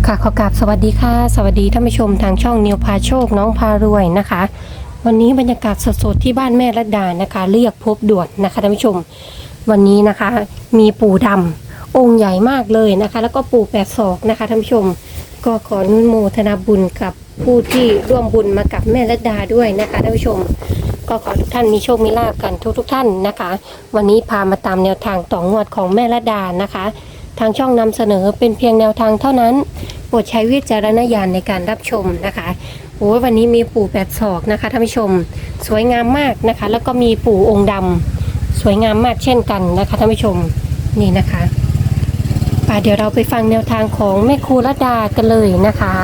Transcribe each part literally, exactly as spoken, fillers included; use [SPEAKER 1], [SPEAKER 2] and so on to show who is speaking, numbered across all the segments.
[SPEAKER 1] ค่ะขอกราบสวัสดีค่ะสวัสดีท่านผู้ชมทางช่องนิวพาโชคน้องพารวยนะคะวันนี้บรรยากาศสดๆที่บ้านแม่รัตดานะคะเรียกพบด่วนนะคะท่านผู้ชมวันนี้นะคะมีปู่ดำองค์ใหญ่มากเลยนะคะแล้วก็ปู่แปดศอกนะคะท่านผู้ชมก็ขออนุโมทนาบุญกับผู้ที่ร่วมบุญมากับแม่รัตดาด้วยนะคะท่านผู้ชมก็ขอทุกท่านมีโชคมีลาภกันทุกทุกท่านนะคะวันนี้พามาตามแนวทางต่องวดของแม่รัตดานะคะทางช่องนำเสนอเป็นเพียงแนวทางเท่านั้นโปรดใช้วิจารณญาณในการรับชมนะคะโอ้ยวันนี้มีปู่แปดศอกนะคะท่านผู้ชมสวยงามมากนะคะแล้วก็มีปู่องค์ดำสวยงามมากเช่นกันนะคะท่านผู้ชมนี่นะคะป่ะเดี๋ยวเราไปฟังแนวทางของแม่ครูรัตดากันเลยนะคะ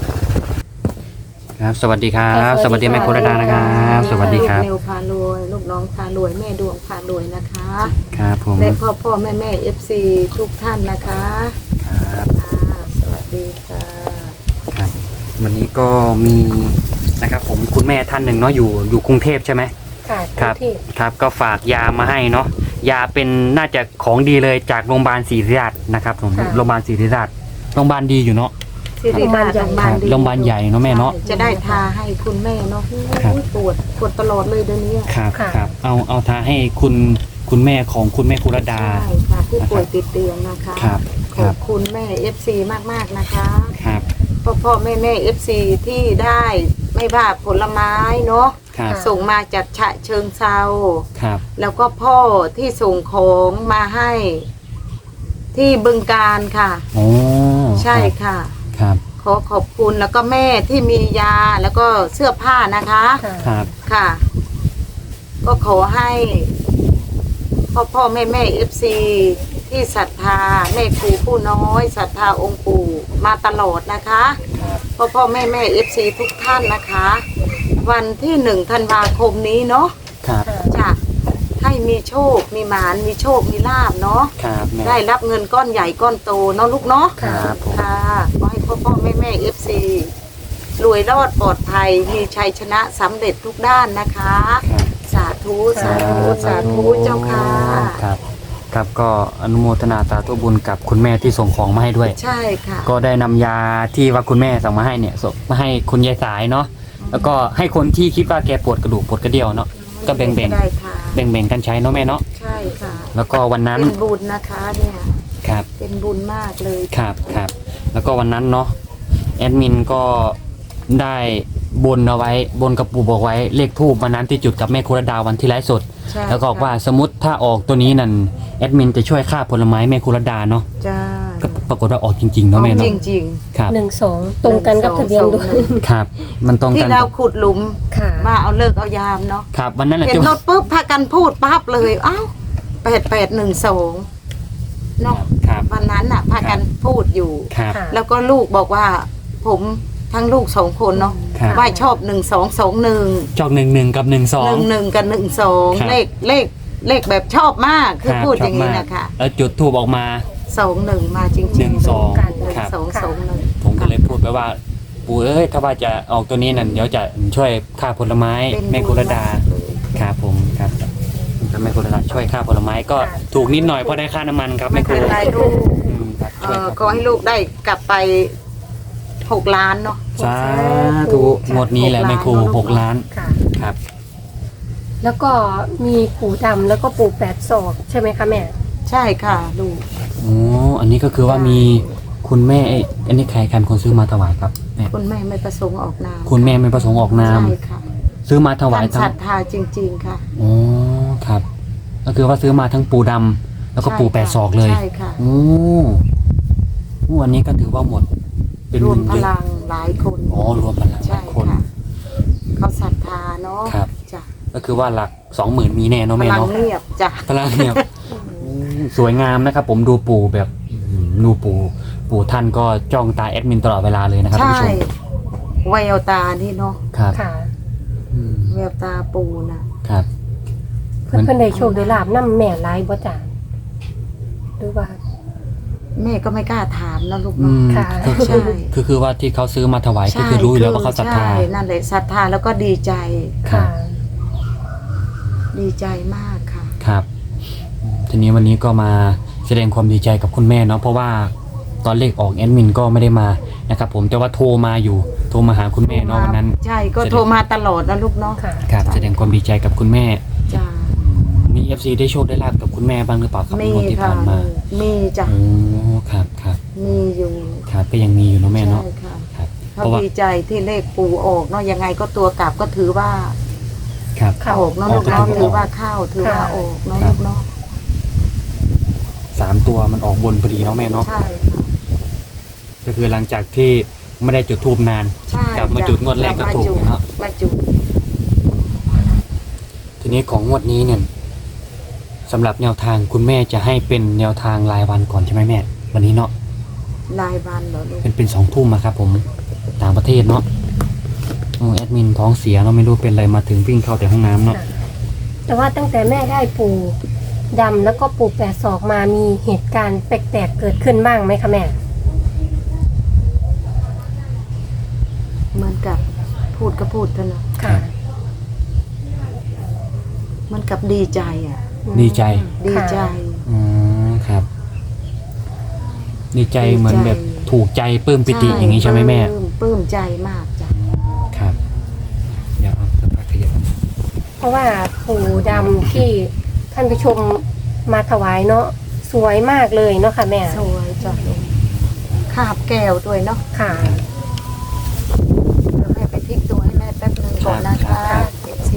[SPEAKER 2] ครับสวัสดีครับสวัสดีแม่โครดานะครับสวัสดีครับ
[SPEAKER 3] นิวพารวยลูกน้องพารวยแม่ดวงพารวยนะคะ
[SPEAKER 2] ครับผม
[SPEAKER 3] และพ่อพ่อแม่แม่เอฟซีทุกท่านนะคะ
[SPEAKER 2] ครับ
[SPEAKER 3] สวัสดีค่ะ
[SPEAKER 2] ครับวันนี้ก็มีนะครับผมคุณแม่ท่านหนึ่งเนาะอยู่อยู่กรุงเทพใช่ไหม
[SPEAKER 1] ค่ะ
[SPEAKER 2] ครับครับก็ฝากยามาให้เนาะยาเป็นน่าจะของดีเลยจากโรงพยาบาลศรีราชนะครับผมโรงพยาบาลศรีราชโรงพยาบาลดีอยู่เนาะ
[SPEAKER 3] ที่โรงพยาบาลโรงพยาบาลดี
[SPEAKER 2] โรงพยาบาลใหญ่เนาะแม่เนาะ
[SPEAKER 3] จะได้ทาให้คุณแม่เนาะปวดปวดตลอดเลยเดี๋ยวนี้
[SPEAKER 2] ครับครับเอาเอาทาให้คุณคุณแม่ของคุณแม่โครดา
[SPEAKER 3] ใช่ค่ะที่ป่วยติดเตียงนะคะ
[SPEAKER 2] ครับ
[SPEAKER 3] ขอบคุณแม่เอฟซีมากๆนะคะ
[SPEAKER 2] ครับ
[SPEAKER 3] พ่อพ่อแม่แม่เอฟซีที่ได้ไม่ว่าผลไม้เนาะส่งมาจากฉะเชิงเซา
[SPEAKER 2] ครับ
[SPEAKER 3] แล้วก็พ่อที่ส่งของมาให้ที่บึงการค่ะ
[SPEAKER 2] โอ้
[SPEAKER 3] ใช่ค่ะ
[SPEAKER 2] ครับ
[SPEAKER 3] ขอขอบคุณแล้วก็แม่ที่มียาแล้วก็เสื้อผ้านะคะ
[SPEAKER 2] ครับ
[SPEAKER 3] ค่ะก็ขอให้พ่อพ่อแม่แม่เอฟซีที่ศรัทธาแม่ครูผู้น้อยศรัทธาองค์ปู่มาตลอดนะคะพ่อพ่อแม่แม่เอฟซีทุกท่านนะคะวันที่หนึ่งธันวาคมนี้เนาะจะให้มีโชคมีหมานมีโชคมีลาภเนาะได้รับเงินก้อนใหญ่ก้อนโตเนาะลูกเนาะค่ะขอให้พ่อพ่อแม่แม่เอฟซีรวยรอดปลอดภัยมีชัยชนะสำเร็จทุกด้านนะคะสาธุสาธุสาธุเจ้าค่ะ
[SPEAKER 2] ครับครับก็อนุโมทนาสาธุบุญกับคุณแม่ที่ส่งของมาให้ด้วย
[SPEAKER 3] ใช่ค่ะ
[SPEAKER 2] ก็ได้นำยาที่ว่าคุณแม่ส่งมาให้เนี่ยส่งมาให้คุณยายสายเนาะแล้วก็ให้คนที่คิดว่าแกปวดกระดูกปวดกระเดี่ยวเนาะก็แบ่งแบ่งแบ่งแบ่งกันใช้เนาะแม่เนาะ
[SPEAKER 3] ใช่ค่ะ
[SPEAKER 2] แล้วก็วันนั้น
[SPEAKER 3] เป็นบุญนะคะเนี่ย
[SPEAKER 2] ครับ
[SPEAKER 3] เป็นบุญมากเลย
[SPEAKER 2] ครับครับแล้วก็วันนั้นเนาะแอดมินก็ได้บนเอาไว้บนกระปูบอกไว้เลขทูบวันนั้นที่จุดกับแม่โครดาวันที่ไลฟ์สดแล้วก็บอกว่าสมมติถ้าออกตัวนี้นั่นแอดมินจะช่วยค่าผลไม้แม่โครดาเนาะ
[SPEAKER 3] จ้า
[SPEAKER 2] ก็ปรากฏว่าออกจริงๆเนาะแม่เนาะ
[SPEAKER 3] จริง
[SPEAKER 2] ๆครับ
[SPEAKER 1] หนึ่งสองตรงกันกับทะเบียนด้วย
[SPEAKER 2] ครับมันตรงกัน
[SPEAKER 3] ที่เราขุดหลุมมาเอาเลิกเอายามเนาะ
[SPEAKER 2] ครับวันนั้น
[SPEAKER 3] เห็นรถปุ๊บพากันพูดปั๊บเลยอ้าวแปดแปดหนึ่งสองเนาะวันนั้นอ่ะพากันพูดอยู่แล้วก็ลูกบอกว่าผมทั้งลูกสองคนเนาะว่าชอบหนึ่งสองสองหนึ่ง
[SPEAKER 2] ชอบหนึ่งหนึ่งกับหนึ่งสอง
[SPEAKER 3] หนึ่งหนึ่งกับหนึ่งสองเลขเลขเลขแบบชอบมากคือพูดอย่างนี้นะคะ
[SPEAKER 2] แล้วจุดทูบออกมา
[SPEAKER 3] สองหนึ่งมาจริงๆ
[SPEAKER 2] หนึ่งสอง
[SPEAKER 3] สองสองหนึ่ง
[SPEAKER 2] ผมก็เลยพูดไปว่าปู่เอ้ยถ้าว่าจะออกตัวนี้นั่นเดี๋ยวจะช่วยค่าผลไม้แม่โครดาครับผมครับแม่โครดาช่วยค่าผลไม้ก็ถูกนิดหน่อยเพราะได้ค่าน้ำมันครับแม่ครู
[SPEAKER 3] ก็ให้ลูกได้กลับไปหกล้านเนาะ
[SPEAKER 2] สาธุหมดนี้แหละแม่ครูหกล้านครับ
[SPEAKER 1] แล้วก็มีปู่ดำแล้วก็ปู่แปดศอกใช่ไหมคะแม่
[SPEAKER 3] ใช่ค่ะลูก
[SPEAKER 2] โอ้อันนี้ก็คือว่ามีคุณแม่อันนี้ใครกันคนซื้อมาถวายครับแม่
[SPEAKER 3] คุณแม่ไม่ประสงค์ออกนาม
[SPEAKER 2] คุณแม่ไม่ประสงค์ออกนาม
[SPEAKER 3] ใช่ค่ะ
[SPEAKER 2] ซื้อมาถวาย
[SPEAKER 3] ทั้งศรัทธาจริงๆค่ะ
[SPEAKER 2] โอ้ครับก็คือว่าซื้อมาทั้งปู่ดำแล้วก็ปู่แปดศอกเลย
[SPEAKER 3] ใช่ค่ะ
[SPEAKER 2] โอ้โอ้อันนี้ก็ถือว่าหมด
[SPEAKER 3] เป็นรวมพลังหลายคน
[SPEAKER 2] อ๋อรวมพลังหลายคน
[SPEAKER 3] เขาศรัทธาเนาะ
[SPEAKER 2] ครับจ้ะก็คือว่าหลักสองหมื่นมีแน่เนาะแม่เนาะ
[SPEAKER 3] พลังเงียบจ้ะ
[SPEAKER 2] พลังเงียบสวยงามนะครับผมดูปู่แบบดูปู่ปู่ท่านก็จ้องตาแอดมินตลอดเวลาเลยนะครับท่านผู้ชม
[SPEAKER 3] แววตานี่เนาะ
[SPEAKER 2] ครับ
[SPEAKER 3] แววตาปู่นะครับ
[SPEAKER 1] เพื่อนเพื่อนได้โชคได้ลาบน้ำแม่ไล่บ่จ่าหรือว่า
[SPEAKER 3] แม่ก็ไม่กล้าถามนะลูกเนาะ
[SPEAKER 1] ค่ะ
[SPEAKER 2] ใช่คือคือว่าที่เขาซื้อมาถวายก็คือรู้อยู่แล้วว่าเขาศรัทธา
[SPEAKER 3] นั่นแหละศรัทธาแล้วก็ดีใจ
[SPEAKER 1] ค่ะ
[SPEAKER 3] ดีใจมากค่ะ
[SPEAKER 2] ครับทีนี้วันนี้ก็มาแสดงความดีใจกับคุณแม่เนาะเพราะว่าตอนเลขออกแอดมินก็ไม่ได้มานะครับผมแต่ว่าโทรมาอยู่โทรมาหาคุณแม่เนาะวันนั้น
[SPEAKER 3] ใช่ก็โทรมาตลอดนะลูกเนาะ
[SPEAKER 1] ค่ะ
[SPEAKER 2] ครับแสดงความดีใจกับคุณแม่
[SPEAKER 3] จ้า
[SPEAKER 2] มี เอฟ ซี ได้โชคได้ลาบกับคุณแม่บ้างหรือเปล่าครับ
[SPEAKER 3] มี
[SPEAKER 2] งวดที่
[SPEAKER 3] ค่ะ
[SPEAKER 2] ผ่านมา
[SPEAKER 3] มีจ้ะ
[SPEAKER 2] โอ้ครับครับ
[SPEAKER 3] มีอยู่
[SPEAKER 2] ครับก็ยังมีอยู่เนาะแม่เนาะ
[SPEAKER 3] ใช่ค่ะ
[SPEAKER 2] ครับเพ
[SPEAKER 3] เขา
[SPEAKER 2] ราะว่า
[SPEAKER 3] ดีใจที่เลขปูออกเนาะยังไงก็ตัวกลับก็ถือว่า
[SPEAKER 2] ครับ
[SPEAKER 1] ค่ะ
[SPEAKER 3] ออกเนาะลูก
[SPEAKER 2] ออ
[SPEAKER 3] เนาะ
[SPEAKER 2] ก็
[SPEAKER 3] ถือว่าเข้าถือว่าออกเนาะลูกเนาะ
[SPEAKER 2] สามตัวมันออกบนพอดีเนาะแม่เนาะ
[SPEAKER 3] ใช่ค่ะ
[SPEAKER 2] ก็คือหลังจากที่ไม่ได้จุดธูปนาน
[SPEAKER 3] ใช่
[SPEAKER 2] กลับมาจุดงวดแรกก็ถูกเนาะ
[SPEAKER 3] มาจุด
[SPEAKER 2] ทีนี้ของงวดนี้เนี่ยสำหรับแนวทางคุณแม่จะให้เป็นแนวทางรายวันก่อนใช่ไหมแม่วันนี้เนาะ
[SPEAKER 3] รายวันเหรอลูก
[SPEAKER 2] เป็นเป็นสองทุ่มอะครับผมต่างประเทศเนาะโอ้แอดมินท้องเสียเนาะไม่รู้เป็นอะไรมาถึงวิ่งเข้าแต่ห้องน้ำเนาะ
[SPEAKER 1] แต่ว่าตั้งแต่แม่ได้ปู่ดำแล้วก็ปู่แปดศอกมามีเหตุการณ์แปลกๆเกิดขึ้นบ้างไหมคะแม่
[SPEAKER 3] เหมือนกับพูดก็พูดเถอะเนาะ
[SPEAKER 1] ค่ะ
[SPEAKER 3] เหมันกับดีใจอ่ะ
[SPEAKER 2] ดีใจ
[SPEAKER 3] ดีใจ
[SPEAKER 2] อ๋อครับ ดีใจเหมือนแบบถูกใจปลื้มปิติอย่างนี้ใช่ไหมแม่
[SPEAKER 3] ปลื้ปลื้มใจมากจ้ะ
[SPEAKER 2] ครับเดี๋ยวเอาสักพักขยับ
[SPEAKER 1] เพราะว่าปู่ดำที่ท่านผู้ชมมาถวายเนาะสวยมากเลยเนาะค่ะแม่
[SPEAKER 3] สวยจ้ะลูกคาบแก้วด้วยเนาะ
[SPEAKER 1] ค่ะ
[SPEAKER 3] เดี๋ยวแม่ไปพลิกตัวให้แม่แป๊บนึงก่อนนะคะเอฟซี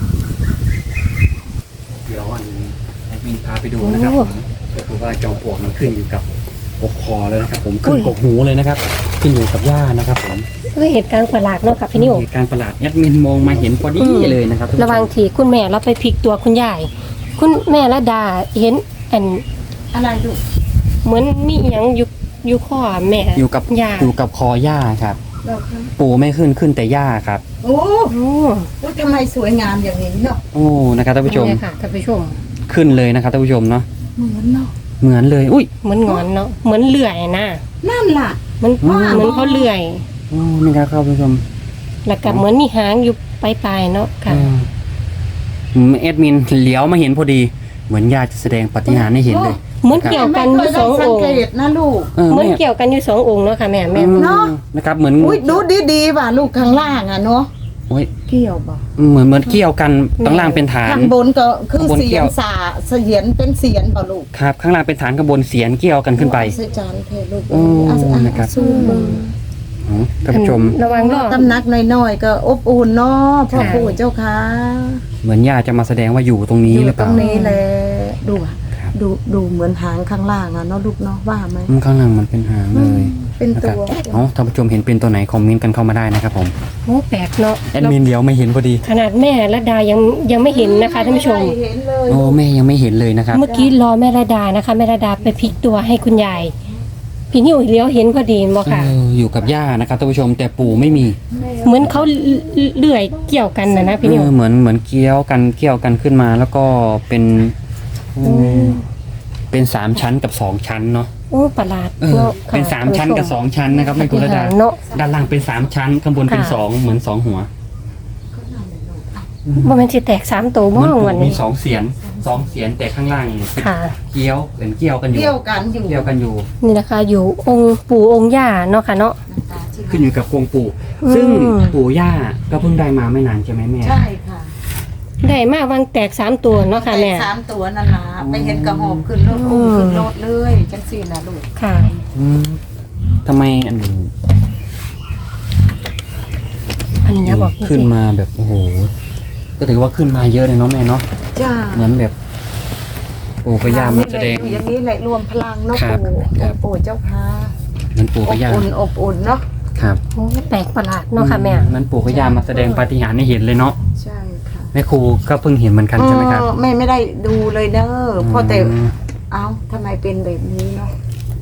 [SPEAKER 2] เดี๋ยวอันนี้แอดมินพาไปดูนะครับผมก็คือว่าจอมปลวกมันขึ้นอยู่กับอกคอเลยนะครับ ผมขึ้นกกหูเลยนะครับ ขึ้นอยู่กับหญ้านะครับผม
[SPEAKER 1] ก็เหตุการณ์ประหลาดเนาะค่ะพี่นิว
[SPEAKER 2] เหตุการณ์ประหลาดแอดมินมองมาเห็นพอดีเลยนะครับท่านผู้ชม
[SPEAKER 1] ระหวังที่คุณแม่เราไปพลิกตัวคุณยาย คุณแม่ละดาเห็นอัน
[SPEAKER 3] อะไรลูก
[SPEAKER 1] เหมือนมีอหยังอยู่อยู่ข้อแม่
[SPEAKER 2] อยู่กับ
[SPEAKER 1] ยา
[SPEAKER 2] อยู่กับคอหญ้าครับ
[SPEAKER 3] เราคะ
[SPEAKER 2] ปูไม่ขึ้นขึ้นแต่หญ้าครับ
[SPEAKER 3] โอ้
[SPEAKER 1] โอ้
[SPEAKER 3] โอ้ทำไมสวยงามอย่างนี้เนาะ
[SPEAKER 2] โอ้นะครับท่านผู้ชม
[SPEAKER 1] เนี่ยค่ะท่านผู้ชม
[SPEAKER 2] ขึ้นเลยนะครับท่านผู้ชมเนาะ
[SPEAKER 3] เหมือนเนาะ
[SPEAKER 2] เหมือนเลยอุ้ย
[SPEAKER 1] เหมือนงอนเนาะเหมือนเลื่อยนะ
[SPEAKER 3] นั่นล่ะ
[SPEAKER 1] เหมัน
[SPEAKER 2] ว้าว
[SPEAKER 1] เหมือนเขาเลื่อย
[SPEAKER 2] โอ้นี่ครับท่านผู้ชม
[SPEAKER 1] แล้วก็เหมือนมีหางอยู่ปลายๆเนาะค่ะ
[SPEAKER 2] อืมแอดมินเลี้ยวมาเห็นพอดี เหมือนญาติจะแสดงปาฏิหาริย์ให้เห็นเลย
[SPEAKER 1] เหมือนเกี่ยวกันอยู่สอง
[SPEAKER 3] สั
[SPEAKER 1] อง งค์
[SPEAKER 3] เกตนะลูก
[SPEAKER 2] เออ
[SPEAKER 1] เหมือน
[SPEAKER 2] แม่
[SPEAKER 1] เกี่ยวกันอยู่สององค์เนาะค่ะแม่แม่
[SPEAKER 3] เนาะ
[SPEAKER 2] นะครับเหมือน
[SPEAKER 3] อุ้ยดูดีๆว่ะลูกข้างล่างอ่ะเนาะ
[SPEAKER 2] โอ้ย
[SPEAKER 3] เกี่ยวบ่
[SPEAKER 2] เหมือนเหมือนเกี่ยวกันข้างล่างเป็นฐาน
[SPEAKER 3] ข้างบนก็คือ
[SPEAKER 2] ข้างบน
[SPEAKER 3] เสี
[SPEAKER 2] เกี่
[SPEAKER 3] ย
[SPEAKER 2] ย
[SPEAKER 3] น
[SPEAKER 2] ว
[SPEAKER 3] สาเสียนเป็นเสียนบ่ลูก
[SPEAKER 2] ครับข้างล่างเป็นฐานข้างบนเสียนเกี่ยวกันขึ้นไป
[SPEAKER 3] เสียจานเทลูก
[SPEAKER 2] โอ้
[SPEAKER 3] เอาเอา
[SPEAKER 2] นะครับ
[SPEAKER 3] สู้มือ
[SPEAKER 2] อ๋อท่านผู้ชม
[SPEAKER 1] ระวังรอบ
[SPEAKER 3] ตำหนักน้อยๆก็อบอุ่นเนาะพ่อ
[SPEAKER 1] ค่ะ
[SPEAKER 3] ปู่เจ้าค่ะ
[SPEAKER 2] เหมือนญาติจะมาแสดงว่าอยู่ตรงนี้
[SPEAKER 3] อยู่
[SPEAKER 2] หรือเป
[SPEAKER 3] ตร
[SPEAKER 2] ล่าง
[SPEAKER 3] นี้แหละดูอะ
[SPEAKER 2] ครับ
[SPEAKER 3] ดูดูเหมือนหางข้างล่างอ่ะเนาะลูกเนาะว่าไหม
[SPEAKER 2] อืมข้างล่างมันเป็นหางเลย
[SPEAKER 3] เป็น
[SPEAKER 2] นะ
[SPEAKER 3] ตั
[SPEAKER 2] ครับ
[SPEAKER 3] ว
[SPEAKER 2] เอาท่านผู้ชมเห็นเป็นตัวไหนคอมเมนต์กันเข้ามาได้นะครับผม
[SPEAKER 1] โอ้แปลกเนาะ
[SPEAKER 2] แอดมินเลี้ยวไม่เห็นพอดี
[SPEAKER 1] ขนาดแม่ละดายังยังไม่เห็นนะคะท่านผู้ชม
[SPEAKER 3] ไเห็นเลย
[SPEAKER 2] โอ้แม่ยังไม่เห็นเลยนะครับ
[SPEAKER 1] เมื่อกี้รอแม่ละดานะคะแม่ละดาไปพลิกตัวให้คุณยายพี่นิวเลี้ยวเห็นพอดีบ่ค่ะ
[SPEAKER 2] เอออยู่กับย่านะครับท่านผู้ชมแต่ปู่ไม่มี
[SPEAKER 1] เหมือนเขาเลื่อยเกี่ยวกันนะนะพี่นิว
[SPEAKER 2] เออเหมือนเหมือนเกี้ยวกันเกี้ยวกันขึ้นมา แล้วก็เป็นอืมเป็นสามชั้นกับสองชั้นเนาะ
[SPEAKER 1] โอ้ประหลาด
[SPEAKER 2] เออ
[SPEAKER 1] เนาะค่ะ
[SPEAKER 2] เป็นสามชั้นกับสองชั้นนะครับแม่กุลดา
[SPEAKER 1] เนาะ
[SPEAKER 2] ด้านล่างเป็นสามชั้นข้างบนเป็น
[SPEAKER 1] ค่ะ
[SPEAKER 2] สองเหมือนสองหัว
[SPEAKER 1] บ่แม่นสิแตกสามตัว
[SPEAKER 2] เห
[SPEAKER 1] บ่
[SPEAKER 2] มือนปู่
[SPEAKER 1] วัน
[SPEAKER 2] มี
[SPEAKER 1] นี้
[SPEAKER 2] สองเสียนสองเสียนแต่ข้างล่างเป็น
[SPEAKER 1] ค่ะ
[SPEAKER 2] เกี้ยวเป็นเกี้ยวกันอยู่
[SPEAKER 3] เกี่ยวกันอยู่
[SPEAKER 2] เกี้ยวกันอยู่
[SPEAKER 1] นี่นะคะอยู่องค์ปู่องค์ย่าเนาะค่ะเนาะ
[SPEAKER 2] ขึ้นอยู่กับกรงปู่
[SPEAKER 1] อืม
[SPEAKER 2] ซึ่งปู่ย่าก็เพิ่งได้มาไม่นานใช่ไหมแม่
[SPEAKER 3] ใช่ค่ะ
[SPEAKER 1] ได้มากวางแตกสามตัวเนาะค่ะแม่
[SPEAKER 3] แต่สามตัวนั่นล่ะไปเห็นกระหอบขึ้นรถอุ้มขึ้นรถเลยจังสี่นะลูก
[SPEAKER 1] ค่ะ
[SPEAKER 2] อืมทำไมอันนี้
[SPEAKER 1] อันนี้นะบอก
[SPEAKER 2] ขึ้นมาแบบโอ้โหก็ถือว่าขึ้นมาเยอะเลยเนาะแม่เนาะ
[SPEAKER 3] จ้า
[SPEAKER 2] เหมือนแบบปู่กับย่ามาแสดง
[SPEAKER 3] อย่างนี้แหละรวมพลังเนาะ
[SPEAKER 2] ครับ
[SPEAKER 3] ปู่
[SPEAKER 2] ครับ
[SPEAKER 3] ปู่เจ้าค่ะ
[SPEAKER 2] เหมือนปู่
[SPEAKER 3] อ
[SPEAKER 2] กับบ ย่า
[SPEAKER 3] อุ่นอบอุ่นเนาะ
[SPEAKER 2] ครับ
[SPEAKER 1] โอ้แปลกประหลาดเนาะค่ะแม่
[SPEAKER 2] เหมือนปู่กับย่ามาแสดงปาฏิหาริย์ให้เห็นเลยเนาะ
[SPEAKER 3] ใช่ค่ะ
[SPEAKER 2] แม่ครูก็เพิ่งเห็นเหมือนกันใช่ไหมครับ
[SPEAKER 3] เออแม่ไม่ได้ดูเลยเด้ออเพราะแต่
[SPEAKER 2] อืม
[SPEAKER 3] เอ้าทำไมเป็นแบบนี้เนาะ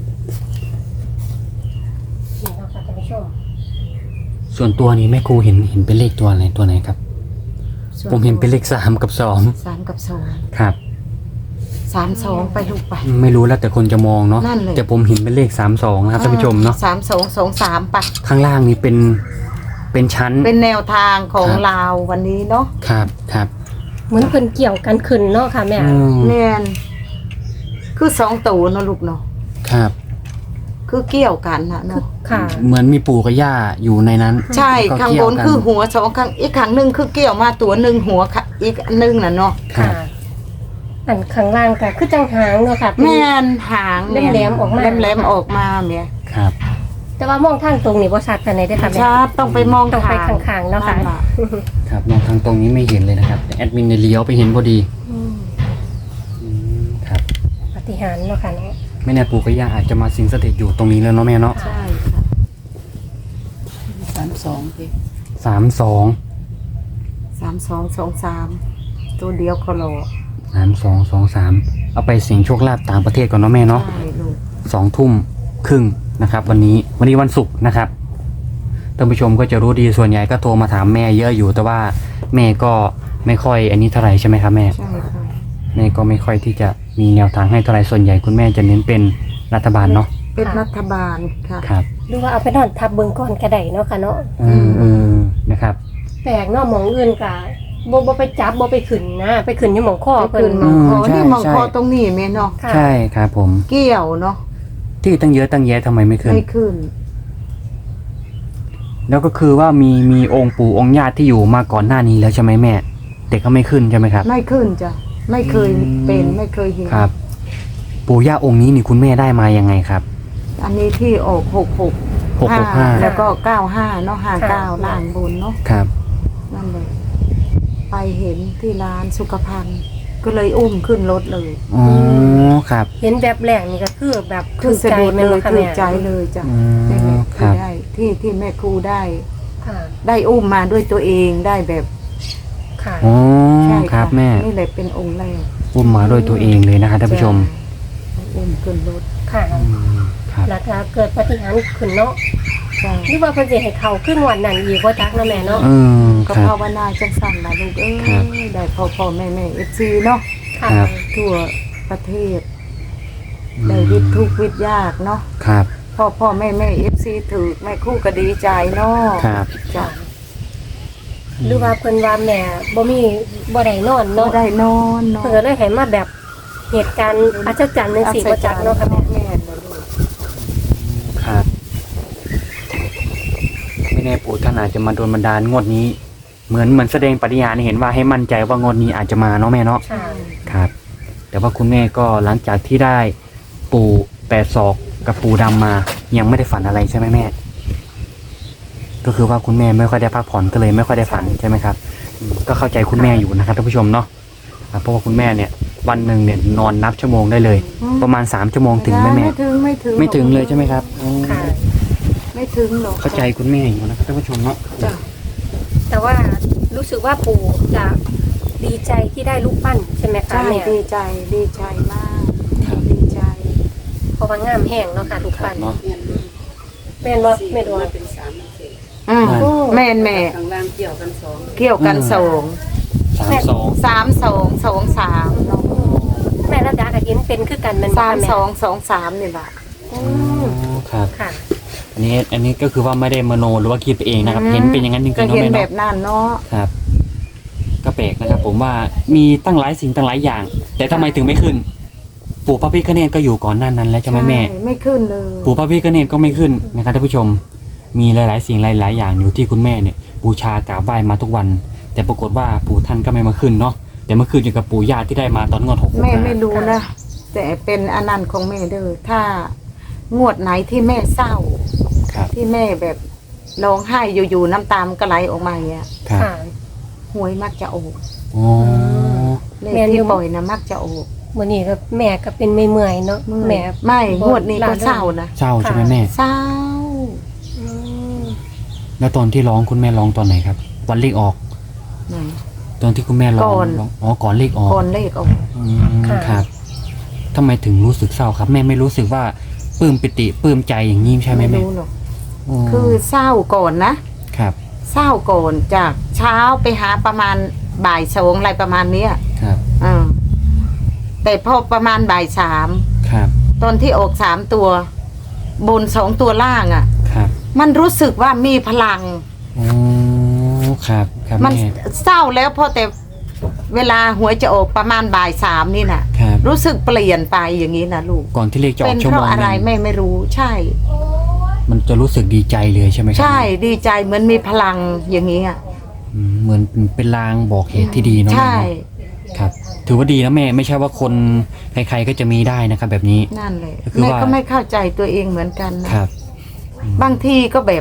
[SPEAKER 1] นี่เนาะค่ะท่านผู้ชม
[SPEAKER 2] ส่วนตัวนี้แม่ครูเห็นเห็นเป็นเลขตัวอะไรตัวไหนครับ
[SPEAKER 3] ส่ว
[SPEAKER 2] ผมเห็นเป็นเลขสามกับสอง
[SPEAKER 3] สามกับสอง
[SPEAKER 2] ครับ
[SPEAKER 3] สามสองไปลูกไป
[SPEAKER 2] ไม่รู้แล้วแต่คนจะมองเนาะ
[SPEAKER 3] นั่นเลย
[SPEAKER 2] แต่ผมเห็นเป็นเลขสามสองนะครับท่านผู้ชมเนาะ
[SPEAKER 3] สามสองสองสามไป
[SPEAKER 2] ข้างล่างนี้เป็นเป็นชั้น
[SPEAKER 3] เป็นแนวทางของ
[SPEAKER 2] ครับ
[SPEAKER 3] ลาววันนี้เนาะ
[SPEAKER 2] ครับครับ
[SPEAKER 1] เหมือนเพิ่นเกี่ยวกันขึ้นเนาะค่ะแม่
[SPEAKER 2] อืม
[SPEAKER 3] แมนคือสองตัวเนาะลูกเนาะ
[SPEAKER 2] ครับ
[SPEAKER 3] คือเกี่ยวกันนะเนาะ
[SPEAKER 1] ค่ะ
[SPEAKER 2] เหมือนมีปู่กับย่าอยู่ในนั้น
[SPEAKER 3] ใช่
[SPEAKER 2] แล้วก็
[SPEAKER 3] ข้าง
[SPEAKER 2] เกี่
[SPEAKER 3] บ
[SPEAKER 2] ยวน กัน
[SPEAKER 3] คือหัวสองข้างอีกข้างหนึ่งคือเกี่ยวมาตัวหนึ่งหัวค่ะอีกอันหนึ่งน่ะเนาะ
[SPEAKER 2] ครับ
[SPEAKER 1] อันข้างล่างก็คือจังหางเนาะค่ะเป็น
[SPEAKER 3] แม่นหาง
[SPEAKER 1] แหลมๆออกมา
[SPEAKER 3] แหลมๆออกมาแม่
[SPEAKER 2] ครับ
[SPEAKER 1] แต่ว่ามองทางตรงนี่บ่ชัดปานใดเด้อค่ะแม่
[SPEAKER 3] ชาบต้องไปมอง
[SPEAKER 1] ต้องไปข้างๆเนาะค่ะ
[SPEAKER 3] ล่
[SPEAKER 2] ครับมองทางตรงนี้ไม่เห็นเลยนะครับแต่แอดมินเนี่ยเลี้ยวไปเห็นพอดี
[SPEAKER 1] อืม
[SPEAKER 2] อืมครับ
[SPEAKER 1] ปาฏิหาริย์เนาะค่ะเนาะ
[SPEAKER 2] ไม่แน่ปู่กับย่าอาจจะมาสิงสถิตอยู่ตรงนี้แล้วเนาะแม่เนาะ
[SPEAKER 3] ใช่ค่ะ
[SPEAKER 4] สามสองสิ
[SPEAKER 2] สามสอง
[SPEAKER 3] สามสองสองสามตัวเดียวคโล
[SPEAKER 2] สามสองสองสามเอาไปเสี่ยงโชคลาภต่างประเทศก่อนเนาะแม่เนาะ
[SPEAKER 3] ใช่ลูก
[SPEAKER 2] สองทุ่มครึ่งนะครับ วันนี้วันนี้วันศุกร์นะครับท่านผู้ชมก็จะรู้ดีส่วนใหญ่ก็โทรมาถามแม่เยอะอยู่แต่ว่าแม่ก็ไม่ค่อยอันนี้เท่าไหร่ใช่ไหมครับแม่
[SPEAKER 3] ใช่ค่ะ
[SPEAKER 2] แม่ก็ไม่ค่อยที่จะมีแนวทางให้เท่าไหร่ส่วนใหญ่คุณแม่จะเน้นเป็นรัฐบาลเนาะ
[SPEAKER 3] เป็นรัฐบาลค่ะ
[SPEAKER 2] ครับ
[SPEAKER 1] หรือว่าเอาไปนอนทับเบิ่งก่อนก็ได้เนาะค่ะเนาะ
[SPEAKER 2] เออเออนะครับ
[SPEAKER 1] แปลกเนาะหมองอื่นก็บ่บ่ไปจับบ่ไปขึ้นนะ ไปขึ้นอยู่หมองคอ
[SPEAKER 3] ไป
[SPEAKER 1] เพิ่
[SPEAKER 3] ขึ้
[SPEAKER 1] น
[SPEAKER 3] นมองคอ
[SPEAKER 2] อืมใช่
[SPEAKER 3] นี่มอง
[SPEAKER 2] ใช่
[SPEAKER 3] คอตรงนี้แม่เนาะ
[SPEAKER 1] ค่ะ
[SPEAKER 2] ใช่ครับผม
[SPEAKER 3] เกี่ยวเนาะ
[SPEAKER 2] ที่ตั้งเยอะตั้งแยะทำไมไม่ขึ้น
[SPEAKER 3] ไม่ขึ้น
[SPEAKER 2] แล้วก็คือว่ามีมีองค์ปู่องค์ญาติที่อยู่มาก่อนหน้านี้แล้วใช่ไหมแม่แต่ก็ไม่ขึ้นใช่ไหมครับ
[SPEAKER 3] ไม่ขึ้นจ้ะไม่เคย
[SPEAKER 2] อืม
[SPEAKER 3] เป็นไม่เคยเห็น
[SPEAKER 2] ครับ ปู่ย่าองค์นี้นี่คุณแม่ได้มายังไงครับ
[SPEAKER 3] อันนี้ที่ออกหกหก
[SPEAKER 2] หกหกห้า
[SPEAKER 3] แล้วก็เก้าห้าเนาะห้าเก้าล่างบนเนาะ
[SPEAKER 2] ครับ
[SPEAKER 3] นั่นเลยไปเห็นที่ร้านสุขภัณฑ์ก็เลยอุ้มขึ้นรถเลย
[SPEAKER 2] อ๋อครับ
[SPEAKER 1] เห็นแบบแรกนี่ก็คือแบบ
[SPEAKER 3] คือสะดุด
[SPEAKER 1] แม่
[SPEAKER 3] เล
[SPEAKER 1] น
[SPEAKER 3] ย
[SPEAKER 1] บ่ค่ะ
[SPEAKER 3] ถื
[SPEAKER 1] แม่
[SPEAKER 3] อใจเลยจ้ะ
[SPEAKER 2] อืม
[SPEAKER 3] นี่แหละ
[SPEAKER 2] ครั
[SPEAKER 3] ที่
[SPEAKER 2] บ
[SPEAKER 3] ได้ที่ที่แม่ครูได้
[SPEAKER 1] ค่ะ
[SPEAKER 3] ได้อุ้มมาด้วยตัวเองได้แบบ
[SPEAKER 1] ค่ะ
[SPEAKER 2] อ๋อ
[SPEAKER 3] ใช่
[SPEAKER 2] ครับ
[SPEAKER 3] ะ
[SPEAKER 2] แม่
[SPEAKER 3] นี่แหละเป็นองค์แรก
[SPEAKER 2] อุ้มมาด้วยตัวเองเลยนะครับท่านผู้ชม
[SPEAKER 3] จ้ะอุ้มขึ้นรถ
[SPEAKER 1] ค่ะ
[SPEAKER 2] อืมครับ
[SPEAKER 1] แล้วก็เกิดปาฏิหาริย์ขึ้นเนาะ
[SPEAKER 3] ใช่
[SPEAKER 1] หรือว่าเพิ่นสิให้เข้าขึ้นวันนั้นอีกบ่จักเนาะแม่เนาะ
[SPEAKER 2] อืม
[SPEAKER 3] ก็
[SPEAKER 2] ครับ
[SPEAKER 3] ภาวนาจังสั่นนะลูกเอ้
[SPEAKER 2] ครับ
[SPEAKER 3] ยได้พ่อพ่อแม่แม่เอฟซีเนาะ
[SPEAKER 1] ค่ะ
[SPEAKER 2] ครับ
[SPEAKER 3] ทั่วประเทศ ได้วิทย์ทุกข์วิทย์ยากเนาะ
[SPEAKER 2] ครับ
[SPEAKER 3] พ่อพ่อแม่แม่เอฟซีถือแม่ครู่ก็ดีใจเนาะ
[SPEAKER 2] ครับ
[SPEAKER 3] จ้ะ
[SPEAKER 1] หรือว่าเพิ่นว่าแม่บ่มีบ่ได้นอน
[SPEAKER 3] ก็
[SPEAKER 1] เนาะ
[SPEAKER 3] ได้นอนเนาะ
[SPEAKER 1] เพิ่นก็เลยให้มาแบบเหตุการณ์อัศจรรย์จังซี่บ่จักเนาะค่ะแม่
[SPEAKER 3] แม่นบ่ลูก
[SPEAKER 2] ครับ ไม่แน่ปู่ท่านอาจจะมาโดนบันดาลงวดนี้ เหมือนเหมือนแสดงปฏิญาณให้เห็นว่าให้มั่นใจว่างวดนี้อาจจะมาเนาะแม่เนาะ
[SPEAKER 1] ใช่
[SPEAKER 2] ครับ แต่ว่าคุณแม่ก็หลังจากที่ได้ปู่แปดศอกกับปู่ดำมา ยังไม่ได้ฝันอะไรใช่ไหมแม่ ก็คือว่าคุณแม่ไม่ค่อยได้พักผ่อนก็เลยไม่ค่อยได้ฝันใช่ไหมครับอืมก็เข้าใจคุณแม่อยู่นะครับท่านผู้ชมเนาะครับเพราะว่าคุณแม่เนี่ย วันหนึ่งเนี่ยนอนนับชั่วโมงได้เลย ประมาณสามชั่วโมงถึงไหมแม่
[SPEAKER 3] ไม่ถึงไม่ถึง
[SPEAKER 2] ไม่ถึงเลยใช่ไหมครับอ๋อ
[SPEAKER 1] ค่ะ
[SPEAKER 3] ไม่ถึงหรอก
[SPEAKER 2] เข้าใจคุณแม่อยู่นะครับท่านผู้ชมเนาะ
[SPEAKER 3] จ้ะ
[SPEAKER 1] แต่ว่ารู้สึกว่าปู่จะดีใจที่ได้ลูกปั้นใช่ไหมคะ
[SPEAKER 3] ใช่
[SPEAKER 1] แม่
[SPEAKER 3] ดีใจดีใจมากดีใจ
[SPEAKER 1] เพราะว่างามแห้งเนาะค่ะลูกปั้น
[SPEAKER 2] เนาะ
[SPEAKER 1] แม่นบ่แม่นบ่
[SPEAKER 4] เป็นสามสี่
[SPEAKER 3] อืม
[SPEAKER 2] โอ้
[SPEAKER 3] แม่นแม่
[SPEAKER 4] ข้างล่างเกี่ยวกันสอง
[SPEAKER 3] เกี่ยวกันสอง
[SPEAKER 2] สามสอง
[SPEAKER 3] สามสองสองสามเนาะ
[SPEAKER 1] แม่ระดาก็เห็นเป็นคือกันแมันบ่
[SPEAKER 3] สาม
[SPEAKER 1] คะแม่
[SPEAKER 3] สองสองสามนี่แหละ
[SPEAKER 1] อื
[SPEAKER 2] อ๋อ
[SPEAKER 1] ม
[SPEAKER 2] ครับ
[SPEAKER 1] ค่ะ
[SPEAKER 2] อันนี้อันนี้ก็คือว่าไม่ได้มโนหรือว่าคิดไปเองนะครับ เห็นเป็นอย่างนั้นจริงๆ
[SPEAKER 3] ก็
[SPEAKER 2] เนาะ
[SPEAKER 3] เห็น
[SPEAKER 2] แม่
[SPEAKER 3] แบ
[SPEAKER 2] เนาะ
[SPEAKER 3] บนั้นเนาะ
[SPEAKER 2] ครับ ก็แปลกนะครับ ผมว่ามีตั้งหลายสิ่งตั้งหลายอย่าง แต่ทำไมถึงไม่ขึ้น ปู่พระพิฆเนศก็อยู่ก่อนหน้านั้นแล้วใช่ไหมแม่
[SPEAKER 3] ไม่ขึ้นเลย
[SPEAKER 2] ปู่พระพิฆเนศก็ไม่ขึ้นนะครับท่านผู้ชม มีหลาย ๆ สิ่งหลาย ๆ อย่างอยู่ที่คุณแม่เนี่ยบูชากราบไหว้มาทุกวัน แต่ปรากฏว่าปู่ท่านก็ไม่มาขึ้นเนาะแต่เมื่อคืนอยู่กับปู่ย่าที่ได้มาตอนงวดหกหก
[SPEAKER 3] แม่ไม่รู้นะแต่เป็นอนันต์ของแม่เด้อถ้างวดไหนที่แม่เศร้า
[SPEAKER 2] ครับ
[SPEAKER 3] ที่แม่แบบร้องไห้อยู่ๆน้ำตามนก็ไหลออกมาอย่างเงี้ย
[SPEAKER 2] ครับ
[SPEAKER 1] ค่ะ
[SPEAKER 3] หวยมักจะออก
[SPEAKER 2] อ๋อ
[SPEAKER 3] เลข
[SPEAKER 1] แม่นอยู่
[SPEAKER 3] ที่ปล่อยนะมักจะออก
[SPEAKER 1] มื้อนี้ก็แม่ก็เป็นไม่เมื่อยๆเนาะแม่
[SPEAKER 3] ไม่งวดนี้ก็เศร้านะ
[SPEAKER 2] เศร้าใช่ไหมแม่
[SPEAKER 3] เศร้า
[SPEAKER 1] อืม
[SPEAKER 2] แล้วตอนที่ร้องคุณแม่ร้องตอนไหนครับ วันเลขออก
[SPEAKER 3] ไหน
[SPEAKER 2] ตอนที่คุณแม่ร้อง
[SPEAKER 3] ก่อน
[SPEAKER 2] ร้องอ๋อก่อนเลขออก
[SPEAKER 3] ก่อนเลขออก
[SPEAKER 2] อืมครับทำไมถึงรู้สึกเศร้าครับ แม่ไม่รู้สึกว่าปลื้มปิติปลื้มใจอย่างนี้ใช่ไหม
[SPEAKER 3] ไม่
[SPEAKER 2] แม่
[SPEAKER 3] รู้หรอก
[SPEAKER 2] อ๋อ
[SPEAKER 3] คือเศร้าก่อนนะครับ เศร้าก่อนจากเช้าไปหาประมาณบ่ายสองอะไรประมาณเนี้ย
[SPEAKER 2] ครับ
[SPEAKER 3] อ่าแต่พอประมาณบ่ายสาม
[SPEAKER 2] ครับ
[SPEAKER 3] ตอนที่ออกสามตัว บนสองตัวล่างอะ่ะ
[SPEAKER 2] ครับ
[SPEAKER 3] มันรู้สึกว่ามีพลัง
[SPEAKER 2] อ๋อครับครับ
[SPEAKER 3] มัน
[SPEAKER 2] แม่
[SPEAKER 3] เศร้าแล้วพอแต่เวลาหวยจะออกประมาณบ่ายสามนี่น่ะ
[SPEAKER 2] ครับ
[SPEAKER 3] รู้สึกเปลี่ยนไปอย่างนี้นะลูก
[SPEAKER 2] ก่อนที่เลขจะอ
[SPEAKER 3] เป็
[SPEAKER 2] อก
[SPEAKER 3] น
[SPEAKER 2] ชั่ว
[SPEAKER 3] เพ
[SPEAKER 2] โมง
[SPEAKER 3] ราะ
[SPEAKER 2] ห
[SPEAKER 3] อะไร
[SPEAKER 2] นึ่ง
[SPEAKER 3] แม่ไม่รู้ ใช่
[SPEAKER 2] มันจะรู้สึกดีใจเลยใช่ไหมครั
[SPEAKER 3] ใช่ดีใจเหมือนมีพลังอย่างนี้อ่ะ
[SPEAKER 2] อืมเหมือนเป็นลางบอกเหตุที่ดีเนาะ
[SPEAKER 3] ใช่
[SPEAKER 2] แม่เนาะครับ ถือว่าดีนะแม่ไม่ใช่ว่าคนใครๆก็จะมีได้นะครับ แบบนี้
[SPEAKER 3] นั่นเลย
[SPEAKER 2] ก็คือ
[SPEAKER 3] แม่
[SPEAKER 2] ว่า
[SPEAKER 3] ก็ไม่เข้าใจตัวเองเหมือนกันนะครับ บางทีก็แบบ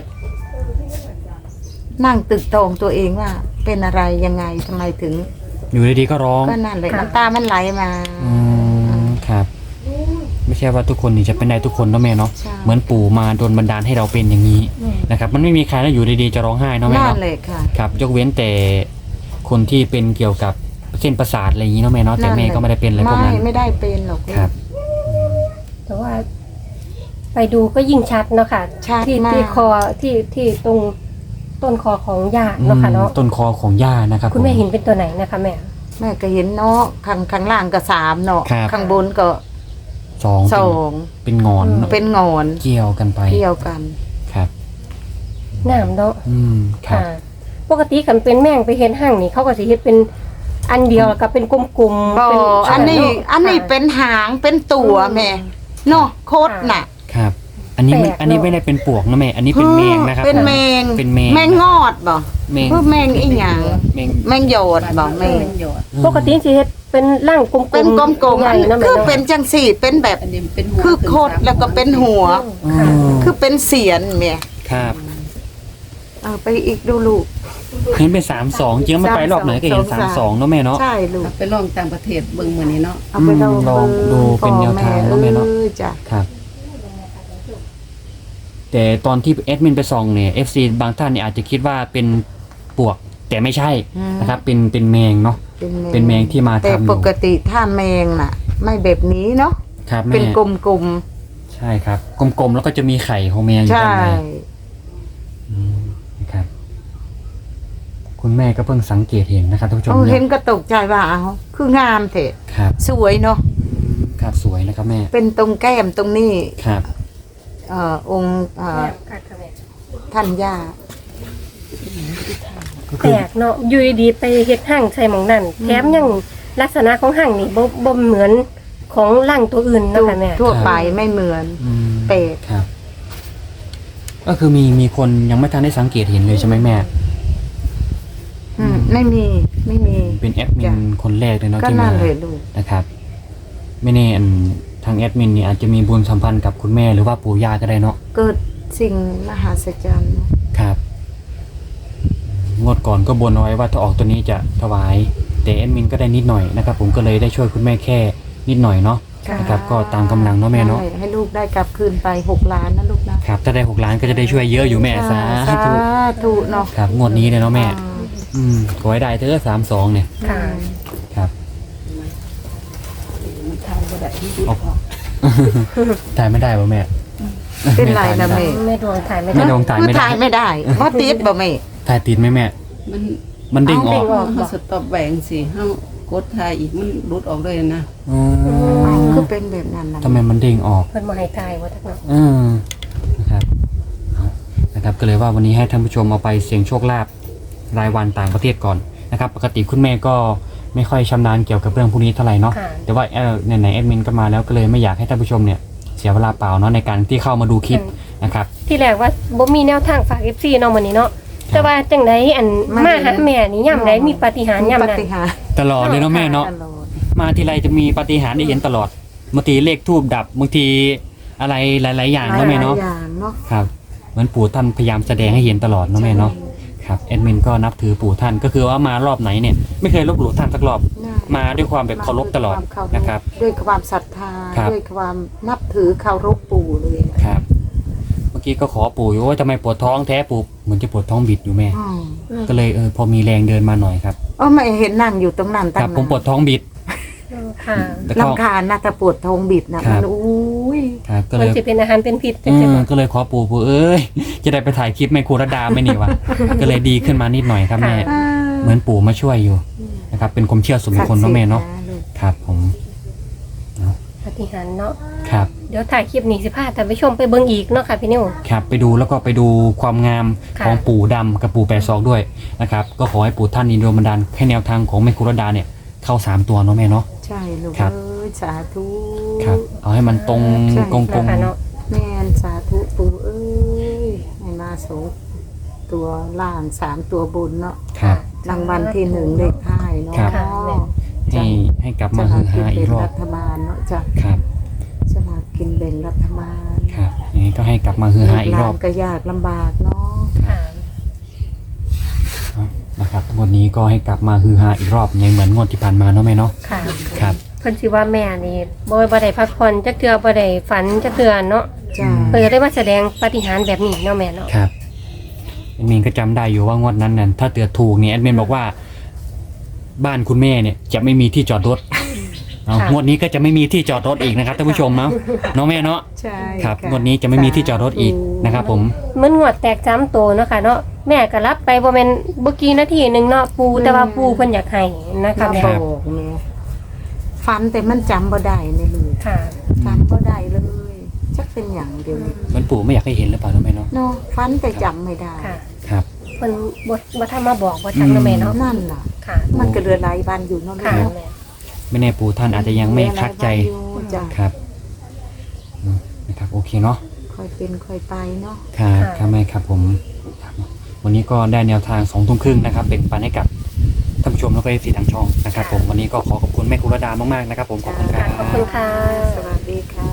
[SPEAKER 3] นั่งตึกตองตัวเองว่า เป็นอะไรยังไงทำไมถึง
[SPEAKER 2] อยู่ดีๆก็ร้อง
[SPEAKER 3] ก็นั่นเลยน้ำตามันไหลมา
[SPEAKER 2] อืมครับ ไม่ใช่ว่าทุกคนนี่จะเป็นได้ทุกคนเนาะแม่เนาะ
[SPEAKER 3] ใช่
[SPEAKER 2] เหมือนปู่มาโดนบันดาลให้เราเป็นอย่างนี้นะครับ มันไม่มีใครแล้วอยู่ดีๆจะร้องไห้เนาะแม่
[SPEAKER 3] นั่น
[SPEAKER 2] เนาะ
[SPEAKER 3] เลยค่ะ
[SPEAKER 2] ครับ ยกเว้นแต่คนที่เป็นเกี่ยวกับเส้นประสาทอะไรอย่างนี้เนาะแม่เนาะแต่แม่ก็ไม่ได้เป็นอะไรพวกนั้น
[SPEAKER 3] ไม่ไม่ได้เป็นหรอก
[SPEAKER 2] ครับ
[SPEAKER 1] แต่ว่า ไปดูก็ยิ่งชัดเนาะค่ะ
[SPEAKER 3] ชัด
[SPEAKER 1] ที่
[SPEAKER 3] มาก
[SPEAKER 1] ที่คอที่ที่ตรงต้นคอของย่าเนาะค่ะเนาะ
[SPEAKER 2] ต้นคอของย่านะครับ
[SPEAKER 1] คุณแม่
[SPEAKER 2] ผ
[SPEAKER 1] เห็นเป็นตัวไหนนะคะแม่
[SPEAKER 3] แม่ก็เห็นเนาะข้างข้างล่างก็สามเนาะ
[SPEAKER 2] ครับ
[SPEAKER 3] ข้างบนก็
[SPEAKER 2] สอง
[SPEAKER 3] ส
[SPEAKER 2] เป็น
[SPEAKER 3] อง
[SPEAKER 2] เป็นงอนเนอะ
[SPEAKER 3] เป็นงอน
[SPEAKER 2] เกี่ยวกันไป
[SPEAKER 3] เกี่ยวกัน
[SPEAKER 2] ครับ
[SPEAKER 1] น้ำเนาะ
[SPEAKER 2] อืมครับ
[SPEAKER 1] ค่ะ ปกติกันเป็นแม่งไปเห็นห้างนี่เขาก็สิเฮ็ดเป็นอันเดียวแล้วก็เป็นกลมๆ
[SPEAKER 3] บ่
[SPEAKER 1] เป็น
[SPEAKER 3] อันนี้
[SPEAKER 1] เาะ
[SPEAKER 3] อันนี้
[SPEAKER 1] ค่ะ
[SPEAKER 3] เป็นหางเป็นตัวแม่เนาะโคตรน่ะ
[SPEAKER 2] ครับ อันนี้มัน
[SPEAKER 1] แปลกเนอะ
[SPEAKER 2] อันนี้ไม่ได้เป็นปวกนะแม่ อันนี้เป็นแมงนะครับ
[SPEAKER 3] เป็น
[SPEAKER 2] ผม
[SPEAKER 3] แมง
[SPEAKER 2] เป็นแมง
[SPEAKER 3] แมงงอดบ่
[SPEAKER 2] แมง
[SPEAKER 3] เพื่อแมงอีหยัง
[SPEAKER 2] แมง
[SPEAKER 3] แมงโยดบ่แมง
[SPEAKER 4] หยอด
[SPEAKER 1] ปกติสิเฮ็ดเป็นร่างกลมๆ
[SPEAKER 3] เป็นกลมๆ
[SPEAKER 1] ให
[SPEAKER 3] อั
[SPEAKER 1] ญ่
[SPEAKER 3] น
[SPEAKER 1] ๆเนาะแม่
[SPEAKER 3] คือ
[SPEAKER 1] เนาะ
[SPEAKER 3] เป็นจังสี่เป็นแบบ
[SPEAKER 4] อันนี้เป็นหัว
[SPEAKER 3] คือโคตรแล้วก็เป็นหัว
[SPEAKER 2] อ๋อ
[SPEAKER 1] ค่ะ
[SPEAKER 3] คือเป็นเสียนแม่
[SPEAKER 2] ครับ
[SPEAKER 3] เอาไปอีกดูลูก
[SPEAKER 2] เห็นเป็นสามสองจริงๆมันไปรอบไหนก็เห็น
[SPEAKER 3] สา
[SPEAKER 2] สาม ม
[SPEAKER 3] ส
[SPEAKER 2] ส
[SPEAKER 3] อ
[SPEAKER 2] อง งเนาะแม่เนาะ
[SPEAKER 3] ใช่ลูก
[SPEAKER 4] ไปลองต่างประเทศเบิ่งมื้อนี้เนาะ
[SPEAKER 3] เอาไปลอง
[SPEAKER 2] อืมลองดูเป็นแนวทางเนอะแม่เนอะ
[SPEAKER 3] ออจ้ะ
[SPEAKER 2] ครับ แต่ตอนที่แอดมินไปส่องเนี่ย เอฟ ซี บางท่านเนี่ยอาจจะคิดว่าเป็นปวก แต่ไม่ใช่นะครับ เป็นเป็นแมงเนาะ เป็นแมงที่มา
[SPEAKER 3] แต่
[SPEAKER 2] ทำอยู่
[SPEAKER 3] ปกติถ้าแมงน่ะ ไม่แบบนี้เนาะ
[SPEAKER 2] ครับแม่
[SPEAKER 3] เป็นกลม
[SPEAKER 2] ใช่ครับ กลมๆแล้วก็จะมีไข่ของแมงอ
[SPEAKER 3] ๆ
[SPEAKER 2] ยู่
[SPEAKER 3] ใช่
[SPEAKER 2] ด้านในอืมนะครับ คุณแม่ก็เพิ่งสังเกตเห็นนะครับท่านผู้ชม
[SPEAKER 3] เอาเห็น
[SPEAKER 2] เนี่ย
[SPEAKER 3] ก็ตกใจว่าเอาคืองามเถอะ
[SPEAKER 2] ครับ
[SPEAKER 3] สวยเนาะ
[SPEAKER 2] ครับสวยนะครับแม่
[SPEAKER 3] เป็นตรงแก้มตรงนี้
[SPEAKER 2] ครับ
[SPEAKER 3] เอ่อองค์เอ่อ
[SPEAKER 1] ค่ะค่ะแม่
[SPEAKER 3] ท่านย่า
[SPEAKER 2] ก็
[SPEAKER 1] แป
[SPEAKER 2] คือ
[SPEAKER 1] ลกเนาะอยู่ดีๆไปเฮ็ดห้างใส่หมองนั่นแถมยังลักษณะของห้างนี่บ่บ่เหมือนของร่างตัวอื่นเนาะค่ะแม่
[SPEAKER 3] ทั่วไปไม่เหมือน
[SPEAKER 2] อืม
[SPEAKER 3] แปลก
[SPEAKER 2] ครับ ก็คือมีมีคนยังไม่ทันได้สังเกตเห็นเลยใช่ไหมแม่
[SPEAKER 3] อืมไม่มีไม่มี
[SPEAKER 2] เป็นแอดมิ
[SPEAKER 3] จ้ะ
[SPEAKER 2] นคนแรกเลยเนาะ
[SPEAKER 3] ก็
[SPEAKER 2] ที่
[SPEAKER 3] นั่
[SPEAKER 2] มาน
[SPEAKER 3] เลยลูก
[SPEAKER 2] นะครับ ไม่แน่อันทางแอดมินเนี่ยอาจจะมีบุญสัมพันธ์กับคุณแม่หรือว่าปู่ย่าก็ได้เนาะ
[SPEAKER 3] เกิดสิ่งมหัศจรรย์เนอะ
[SPEAKER 2] ครับงวดก่อนก็บนเอาไว้ว่าถ้าออกตัวนี้จะถวาย แต่แอดมินก็ได้นิดหน่อยนะครับ ผมก็เลยได้ช่วยคุณแม่แค่นิดหน่อยเนาะนะครับ ก็ตามกำลังเนาะแม่เนาะ
[SPEAKER 3] ใช่ให้ลูกได้กลับคืนไปหกล้านนะลูกนะครับ
[SPEAKER 2] ถ้าได้หกล้านก็จะได้ช่วยเยอะอยู่แม่สา
[SPEAKER 3] สา
[SPEAKER 2] ธุ
[SPEAKER 3] ธุเนาะ
[SPEAKER 2] ครับงวดนี้เลยเนาะแม่
[SPEAKER 3] อ่า
[SPEAKER 2] อืมขอให้ได้เถอะสามสองเนี่ย
[SPEAKER 1] ค่ะ
[SPEAKER 2] ครับ
[SPEAKER 4] มันทำบ่ได้ที่ดี
[SPEAKER 2] ออก ถ่ายไม่ได้ป่ะแม่
[SPEAKER 3] เป็นไรนะแม่
[SPEAKER 1] แม่ดวงถ่ายไม่
[SPEAKER 2] แม่
[SPEAKER 1] ได้
[SPEAKER 2] ดวงถ่าย
[SPEAKER 3] คือ
[SPEAKER 2] ไม่ได้
[SPEAKER 3] ถ่ายไม่ได้เพราะติดบ่แม่
[SPEAKER 2] ถ่ายติดไหมแม่
[SPEAKER 4] มัน
[SPEAKER 2] มันเด้งออก
[SPEAKER 1] เด้งออก
[SPEAKER 4] เฮาสต็อปแหวงสิเฮากดถ่ายอีกมันหลุดออกเลยนะ
[SPEAKER 2] อ๋อ
[SPEAKER 3] คือเป็นแบบนั้นนะ
[SPEAKER 2] ทำไมมันเด้งออก
[SPEAKER 1] เพิ่นบ่ให้ถ่ายว่าจักเนาะ
[SPEAKER 2] อืมนะครับเอานะครับ ก็เลยว่าวันนี้ให้ท่านผู้ชมเอาไปเสี่ยงโชคลาภรายวันต่างประเทศก่อนนะครับ ปกติคุณแม่ก็ไม่ค่อยชำนาญเกี่ยวกับเรื่องพวกนี้เท่าไหร่เนาะ
[SPEAKER 1] ค่ะ
[SPEAKER 2] แต่ว่าเออไหนๆแอดมินก็มาแล้วก็เลยไม่อยากให้ท่านผู้ชมเนี่ยเสียเวลาเปล่าเนาะในการที่เข้ามาดูคลิปนะครับ
[SPEAKER 1] ที่แรกว่าบ่มีแนวทางฝาก เอฟ ซี เนาะมื้อนี้เนาะแต่ว่าจังไดอันมาหาแม่นี่ยามใดมีปาฏิหาริย์ยาม
[SPEAKER 3] ป
[SPEAKER 1] นั้น
[SPEAKER 3] ฏิหารย์
[SPEAKER 2] ตลอดเลยเนาะแม่เนาะ
[SPEAKER 3] ตลอด
[SPEAKER 2] มาทีไรจะมีปาฏิหาริย์ได้เห็นตลอดบางทีเลขทูบดับบางทีอะไรหลาย ๆ อย่างเนาะแม่เนาะ
[SPEAKER 3] หลยอย่างเนาะ
[SPEAKER 2] ครับเหมือนปู่ท่านพยายามแสดงให้เห็นตลอดเนาะแม่เนาะครับแอดมินก็นับถือปู่ท่านก็คือว่ามารอบไหนเนี่ยไม่เคยลบหลู่ท่านสักรอบ มาด้วยความแบบเคารพตลอด
[SPEAKER 3] ด้วยความเา
[SPEAKER 2] นะครับ
[SPEAKER 3] ด้วยความศรัทธา
[SPEAKER 2] ครับ
[SPEAKER 3] ด้วยความนับถือเคารพปู่เลย
[SPEAKER 2] ครับ เมื่อกี้ก็ขอปู่อยู่ว่าทำไมปวดท้องแท้ปู่เหมือนจะปวดท้องบิดอยู่แม่
[SPEAKER 3] อืม
[SPEAKER 2] ก็เลยเออพอมีแรงเดินมาหน่อยครับ
[SPEAKER 3] เออไม่เห็นนั่งอยู่ตรงนั้น
[SPEAKER 2] ค
[SPEAKER 3] ตั้ง
[SPEAKER 2] รับ
[SPEAKER 3] นาน
[SPEAKER 2] ผมปวดท้องบิด
[SPEAKER 1] ค่ะ
[SPEAKER 2] แล้วก็
[SPEAKER 3] ลำคาญนะแต่ปวดท้องบิดนะครับ มันอุ้ย
[SPEAKER 2] ครับก็เล
[SPEAKER 1] มัน
[SPEAKER 2] ย
[SPEAKER 1] สิเป็นอาหารเป็นพิษจั
[SPEAKER 2] เอง
[SPEAKER 1] ซี่
[SPEAKER 2] อ
[SPEAKER 1] บ่
[SPEAKER 2] ก็เลยขอปู่ปู่เอ้ยจะได้ไปถ่ายคลิปแม่ครูรดาไม่นี่วะ ก็เลยดีขึ้นมานิดหน่อยครับแม่ เหมือนปู่มาช่วยอยู่นะครับ เป็นความเชื่อส่วนบุคคลเนาะแม่เนาะ
[SPEAKER 3] ลูก
[SPEAKER 2] ครับผม
[SPEAKER 1] ปาฏิหาริย์เนาะ
[SPEAKER 2] ครับ
[SPEAKER 1] เดี๋ยวถ่ายคลิปนี้สิพาท่านผู้ชมไปเบิ่งอีกเนาะค่ะพี่นิว
[SPEAKER 2] ครับไปดูแล้วก็ไปดูความงาม
[SPEAKER 1] ค่ะ
[SPEAKER 2] ของปู่ดำกับปู่แปดศอกด้วยนะครับ ก็ขอให้ปู่ท่านอินโดบันดาลให้แนวทางของแม่ครูรดาเนี่ยเข้าสามตัวเนาะแม่เนาะ
[SPEAKER 3] ใช่ลูก
[SPEAKER 2] ครับ
[SPEAKER 3] เอ้ยสาธุ
[SPEAKER 2] ครับ เอาให้มันตรง
[SPEAKER 3] ใช่
[SPEAKER 2] กงกง
[SPEAKER 1] นะคะเนาะ
[SPEAKER 3] แม่นสาธุปู่เอ้ยให้มาสองตัวล่างสามตัวบนเนาะ
[SPEAKER 2] ครับ
[SPEAKER 3] รางวัลที่หนึ่งเลขท้ายเนาะ
[SPEAKER 2] ครับ
[SPEAKER 1] ค่ะแม่
[SPEAKER 2] ให้ให้กลับ
[SPEAKER 3] จะ
[SPEAKER 2] มา
[SPEAKER 3] มา
[SPEAKER 2] ฮือ
[SPEAKER 3] กิน
[SPEAKER 2] ฮาอี
[SPEAKER 3] เป็
[SPEAKER 2] ก
[SPEAKER 3] น
[SPEAKER 2] รอ
[SPEAKER 3] รับ ฐบาลเนาะจ้ะ
[SPEAKER 2] ครับ
[SPEAKER 3] จะมากินแบ่งรัฐบาล
[SPEAKER 2] ครับอย่างนี้ก็ให้กลับมาฮือฮาอีกรอบ
[SPEAKER 3] หลนก็ยากลำบากเนาะ
[SPEAKER 1] ค่ะ
[SPEAKER 2] นะครับงวดนี้ก็ให้กลับมาฮือฮาอีกรอบยังเหมือนงวดที่ผ่านมาเนาะแม่เนาะ
[SPEAKER 1] ค่ะ
[SPEAKER 2] ครับ
[SPEAKER 1] เพิ่นสิว่าแม่นี่บ่บ่ได้พักผ่อนจักเทื่อบ่ได้ฝันจักเทื่อเนาะ
[SPEAKER 3] จ้ะ
[SPEAKER 1] เพิ่นก็ได้มาแสดงปาฏิหาริย์แบบนี้เนาะแม่เนาะ
[SPEAKER 2] ครับแอดมินก็จำได้อยู่ว่างวดนั้นเนี่ยถ้าเตือถูกเนี่ยแอดมินบอกว่า บ้านคุณแม่เนี่ยจะไม่มีที่จอดรถเอางวดนี้ก็จะไม่มีที่จอดรถอีกนะครับท่านผู้ชมเนาะเนาะแม่เนาะ
[SPEAKER 3] ใช่
[SPEAKER 2] ครับ
[SPEAKER 3] ะ
[SPEAKER 2] งวดนี้จะไม่มีที่จอดรถอีกนะครับผม
[SPEAKER 1] เหมือนงวดแตกจ้ำโตเนาะค่ะเนาะแม่ก็รับไปบ่แม่นบ่กี่นาทีหนึงเนาะปูแต่ว่าปูเพิ่นอยากให้นะคะ
[SPEAKER 3] มา
[SPEAKER 1] แม่
[SPEAKER 3] บอกแม่ฟันแต่มันจำบ่ได้ในลูก
[SPEAKER 1] ค่ะ
[SPEAKER 3] จำบ่ได้เลยจักเป็นอย่างเดียวนี้
[SPEAKER 2] เหมันปู่ไม่อยากให้เห็นหรือเปล่าเนาะแม่เนาะ
[SPEAKER 3] เนาะฟันแต่จำไม่ได้
[SPEAKER 1] ค่ะ
[SPEAKER 2] ครับ
[SPEAKER 1] เพิ่นบ่บ่ทันมาบอกบ่ทันเนาะแม่เนาะ
[SPEAKER 3] นั่นล่ะ
[SPEAKER 1] ค่ะ
[SPEAKER 3] มันก็เรือหลายวันอยู่เนาะลู
[SPEAKER 1] ค่ะ
[SPEAKER 3] กเนาะ
[SPEAKER 1] แม่
[SPEAKER 2] ไม่แน่ปู่ท่านอาจจะยังไม่คัดใจ
[SPEAKER 3] เรือหลายวันอยู่จ้ะ
[SPEAKER 2] ครับอืมนะครับโอเคเนาะ
[SPEAKER 3] ค่อยเป็นค่อยไปเนาะ
[SPEAKER 2] ครับครับแม่ครับผมครับวันนี้ก็ได้แนวทางสองทุ่มครึ่งนะครับเป็นปันให้กับท่านผู้ชมแล้วก็เอฟซีทางช่องนะครับผมวันนี้ก็ขอขอบคุณแม่ครูรดามากๆนะครับผมขอบคุณครั
[SPEAKER 1] ค่ะขอบคุณ
[SPEAKER 2] บ
[SPEAKER 1] ค่ะ
[SPEAKER 3] สวัสดีค่ะ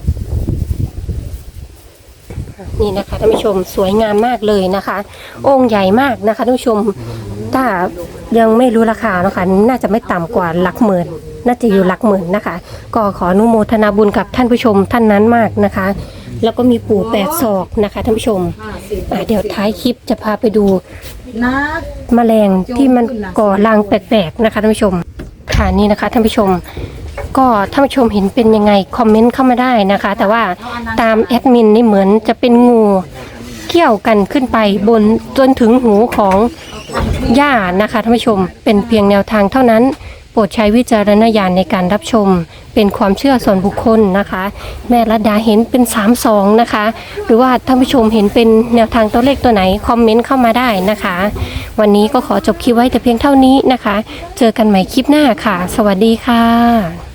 [SPEAKER 1] นี่นะคะท่านผู้ชมสวยงามมากเลยนะคะ องค์ใหญ่มากนะคะท่านผู้ชมถ้ายังไม่รู้ราคาเนาะคะน่าจะไม่ต่ำกว่าหลักหมื่นน่าจะอยู่หลักหมื่นนะคะ ก็ขออนุโมทนาบุญกับท่านผู้ชมท่านนั้นมากนะคะ แล้วก็มีปู่แปดศอกนะคะท่านผู้ชมอ่ะเดี๋ยวท้ายคลิปจะพาไปดู
[SPEAKER 3] นะ
[SPEAKER 1] แมลงที่มันก่อรังแปลกๆนะคะท่านผู้ชมค่ะนี่นะคะท่านผู้ชม ก็ท่านผู้ชมเห็นเป็นยังไงคอมเมนต์เข้ามาได้นะคะ แต่ว่าตามแอดมินนี่เหมือนจะเป็นงูเกี่ยวกันขึ้นไปบนจนถึงหูของย่านะคะท่านผู้ชมเป็นเพียงแนวทางเท่านั้น โปรดใช้วิจารณญาณในการรับชมเป็นความเชื่อส่วนบุคคลนะคะ แม่รัดดาเห็นเป็นสามสองนะคะ หรือว่าท่านผู้ชมเห็นเป็นแนวทางตัวเลขตัวไหนคอมเมนต์เข้ามาได้นะคะ วันนี้ก็ขอจบคลิปไว้แต่เพียงเท่านี้นะคะ เจอกันใหม่คลิปหน้าค่ะ สวัสดีค่ะ